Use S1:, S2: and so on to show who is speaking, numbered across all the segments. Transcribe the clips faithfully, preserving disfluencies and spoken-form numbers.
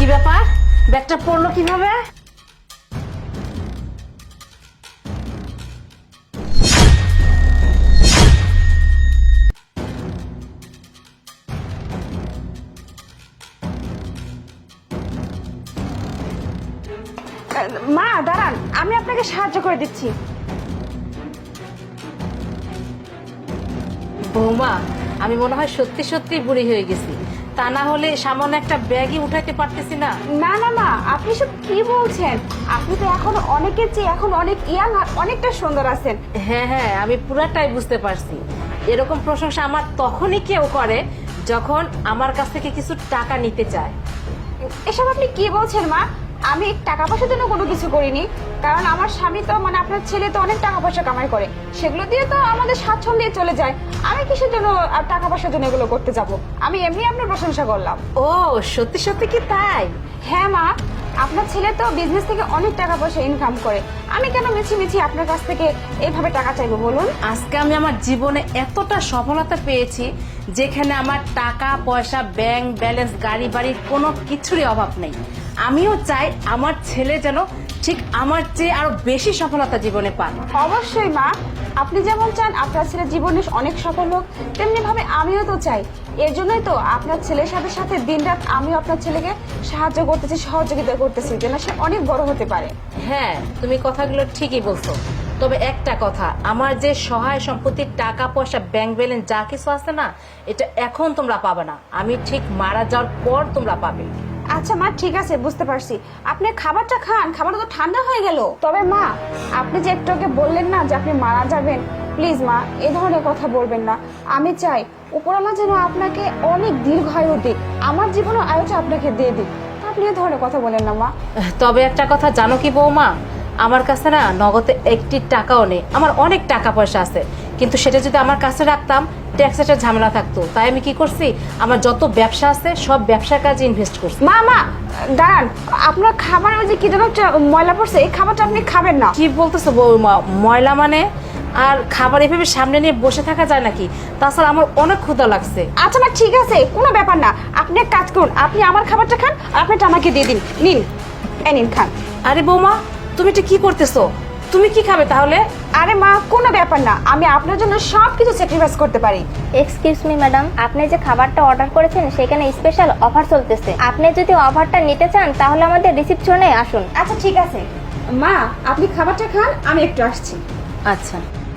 S1: কি ব্যাপার, ব্যাগটা পড়লো কিভাবে?
S2: মা দাঁড়ান, আমি আপনাকে সাহায্য করে দিচ্ছি।
S1: বৌমা, আমি মনে হয় সত্যি সত্যি বুড়ি হয়ে গেছি, তা না হলে সামান্য একটা ব্যাগই উঠাইতে পারতেছি না।
S2: না না মা, আপনি সব কি বলছেন? আপনি তো এখন অনেকের চেয়ে এখন অনেক ইয়াং আর অনেকটা সুন্দর আছেন।
S1: হ্যাঁ হ্যাঁ, আমি পুরাটাই বুঝতে পারছি। এরকম প্রশংসা আমার তখনই কেউ করে যখন আমার কাছ থেকে কিছু টাকা নিতে চায়।
S2: এসব আপনি কি বলছেন মা? আমি টাকা পয়সার জন্য কোনো কিছু করিনি, কারণ আমার স্বামী তো মানে আপনার ছেলে তো অনেক টাকা পয়সা কামাই করে, সেগুলো দিয়ে তো আমাদের স্বাচ্ছন্দ্যে চলে যায়। আমি কিসের জন্য আর টাকা পয়সার জন্য এগুলো করতে যাব? আমি এমনি আপনার প্রশংসা করলাম।
S1: ও সত্যি সত্যি কি তাই?
S2: হ্যাঁ মা, আপনার ছেলে তো বিজনেস থেকে অনেক টাকা পয়সা ইনকাম করে, আমি কেন মিছি মিছি আপনার কাছ থেকে এইভাবে টাকা চাইবো বলুন?
S1: আজকে আমি আমার জীবনে এতটা সফলতা পেয়েছি যেখানে আমার টাকা পয়সা, ব্যাংক ব্যালেন্স, গাড়ি বাড়ির কোনো কিছুরই অভাব নেই। আমিও চাই আমার ছেলে যেন ঠিক আমার চেয়ে আরো বেশি সফলতা জীবনে পান।
S2: অবশ্যই মা, আপনি যেমন চান আপনার ছেলের জীবনে অনেক সফল হোক, তেমনি ভাবে আমিও তো চাই। এর জন্যই তো আপনার ছেলের সাথে সাথে দিনরাত আমিও আপনার ছেলেকে সাহায্য করতেছি, সহযোগিতা করতেছি যেন সে অনেক বড় হতে পারে।
S1: হ্যাঁ, তুমি কথাগুলো ঠিকই বলছো। তবে একটা কথা, আমার যে সহায় সম্পত্তির টাকা পয়সা, ব্যাংক ব্যালেন্স যা কিছু আছে না, এটা এখন তোমরা পাবে না, আমি ঠিক মারা যাওয়ার পর তোমরা পাবে।
S2: আচ্ছা মা, ঠিক আছে, বুঝতে পারছি। আপনি খাবারটা খান, খাবারটা তো ঠান্ডা হয়ে গেল। তবে মা, আপনি যে একটু আগে বললেন না যে আপনি মারা যাবেন, প্লিজ মা এ ধরনের কথা বলবেন না। আমি চাই উপরওয়ালা যেন আপনাকে অনেক দীর্ঘায়ু দিক, আমার জীবনের আয়ুটা আপনাকে দিয়ে দিক। আপনি এ ধরনের কথা বলেন না মা।
S1: তবে একটা কথা জানো কি বৌমা, আমার কাছে না নগদে একটি টাকাও নেই। আমার অনেক টাকা পয়সা আছে, কিন্তু সেটা যদি আমার কাছে রাখতাম ট্যাক্সের ঝামেলা থাকতো। তাই আমি কি করছি, আমার যত ব্যবসা আছে সব ব্যবসার কাজে ইনভেস্ট করছি।
S2: মা মা দাঁড়ান, আপনার খাবার ওই যে কি যেন একটা ময়লা পড়ছে, এই খাবারটা আপনি খাবেন না।
S1: কি বলতেছো বৌমা? ময়লা মানে? আর খাবার এভাবে সামনে নিয়ে বসে থাকা যায় নাকি? তাছাড়া আমার অনেক ক্ষুধা লাগছে।
S2: আচ্ছা মা, ঠিক আছে, কোনো ব্যাপার না। আপনি এক কাজ করুন, আপনি আমার খাবারটা খান আর আপনারটা আমাকে দিয়ে দিন। নিন, এই নিন, খান।
S1: আরে বৌমা, তুমি এটা কি করতেছো? তুমি কি খাবে তাহলে?
S2: আরে মা, কোনো ব্যাপার না, আমি আপনার জন্য সব কিছু স্যাক্রিফাইস করতে পারি।
S3: এক্সকিউজ মি ম্যাডাম, আপনি যে খাবারটা অর্ডার করেছেন সেখানে স্পেশাল অফার চলতেছে। আপনি যদি অফারটা নিতে চান তাহলে আমাদের রিসিপশনে আসুন।
S2: আচ্ছা ঠিক আছে মা, আপনি খাবারটা খান, আমি একটু আসছি।
S1: আচ্ছা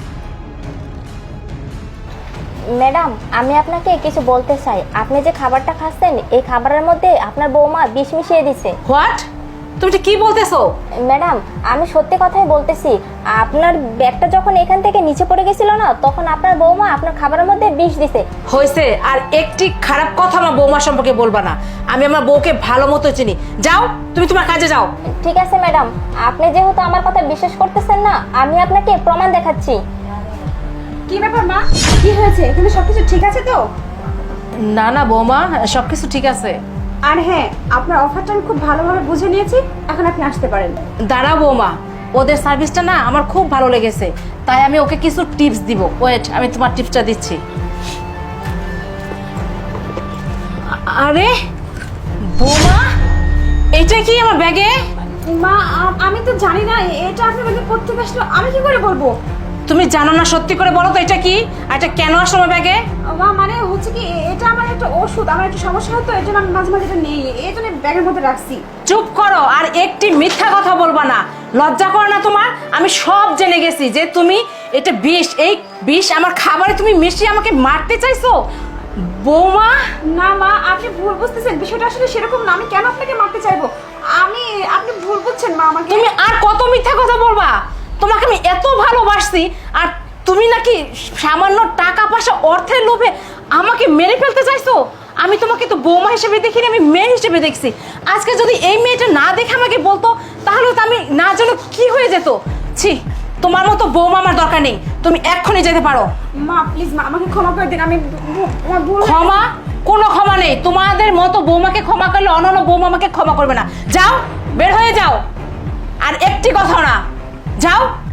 S3: ম্যাডাম, আমি আপনাকে কিছু বলতে চাই। আপনি যে খাবারটা খাচ্ছেন এই খাবারের মধ্যে আপনার বৌমা বিষ মিশিয়ে দিছে।
S1: হোয়াট? তুমি এটা কি বলতেছো?
S3: ম্যাডাম, আমি সত্যি কথাই বলতেছি। আপনার ব্যাগটা যখন এখান থেকে নিচে পড়ে গেছিল না, তখন আপনার বৌমা আপনার খাবারের মধ্যে বিষ দিছে।
S1: হয়েছে, আর একটি খারাপ কথা আমার বৌমা সম্পর্কে বলবা না। আমি আমার বউকে ভালো মতো চিনি। যাও, তুমি তোমার কাজে যাও।
S3: ঠিক আছে ম্যাডাম, আপনি যেহেতু আমার কথা বিশ্বাস করতেছেন না, আমি আপনাকে প্রমাণ দেখাচ্ছি।
S2: কি ব্যাপার মা, কি হয়েছে? এখানে সবকিছু ঠিক আছে তো?
S1: না না বৌমা, সবকিছু ঠিক আছে।
S2: আর হ্যাঁ, আপনার অফারটা আমি খুব ভালোভাবে বুঝে নিয়েছি, এখন আপনি আসতে পারেন।
S1: দাঁড়াও বৌমা, ওদের সার্ভিসটা না আমার খুব ভালো লেগেছে, তাই আমি ওকে কিছু টিপস দিব। ওয়েট, আমি তোমার টিপসটা দিচ্ছি। আরে বৌমা, এটা কি আমার ব্যাগে?
S2: মা, আ- আমি তো জানি না এটা আপনার ব্যাগে কোত্থেকে আসলো, আমি কি করে বলবো?
S1: তুমি জানো না, সত্যি করে বলো তো এটা কি, আর এটা কেন আসলো আমার ব্যাগে?
S2: মা মানে হচ্ছে কি, এটা আমার একটা ওষুধ, আমার একটা সমস্যা হতো, এই জন্য আমি মাঝে মাঝে এটা নেই, এই জন্য ব্যাগের মধ্যে রাখছি।
S1: চুপ করো, আর একটি মিথ্যা কথা বলবা না। লজ্জা করো না তোমার? আমি সব জেনে গেছি যে তুমি এটা বিষ, এই বিষ আমার খাবারে তুমি মিশিয়ে আমাকে মারতে চাইছো বৌমা।
S2: না মা, আপনি ভুল বুঝতেছেন, বিষয়টা আসলে সেরকম না। আমি কেন আপনাকে মারতে চাইবো? আমি আপনি ভুল বুঝছেন মা আমাকে।
S1: তুমি আর কত মিথ্যা কথা বলবা? তোমাকে আমি এত ভালোবাসছি, আর তুমি নাকি সামান্য টাকা পয়সা, অর্থের লোভে আমাকে মেরে ফেলতে চাইছো। আমি তোমাকে তো বৌমা হিসেবে দেখিনি, আমি মেয়ে হিসেবে দেখছি। আজকে যদি এই মেয়েটা না দেখে আমাকে বলতো, তাহলে তো আমি না জানো কি হয়ে যেত। ছি, তোমার মতো বৌমা আমার দরকার নেই, তুমি এক্ষুনি যেতে পারো।
S2: মা প্লিজ মা, আমাকে ক্ষমা করে দিন, আমি ভু- আমার ভুল।
S1: ক্ষমা? কোনো ক্ষমা নেই। তোমাদের মতো বৌমাকে ক্ষমা করলে অন্যান্য বৌমা আমাকে ক্ষমা করবে না। যাও, বের হয়ে যাও, আর একটি কথা না, যাও।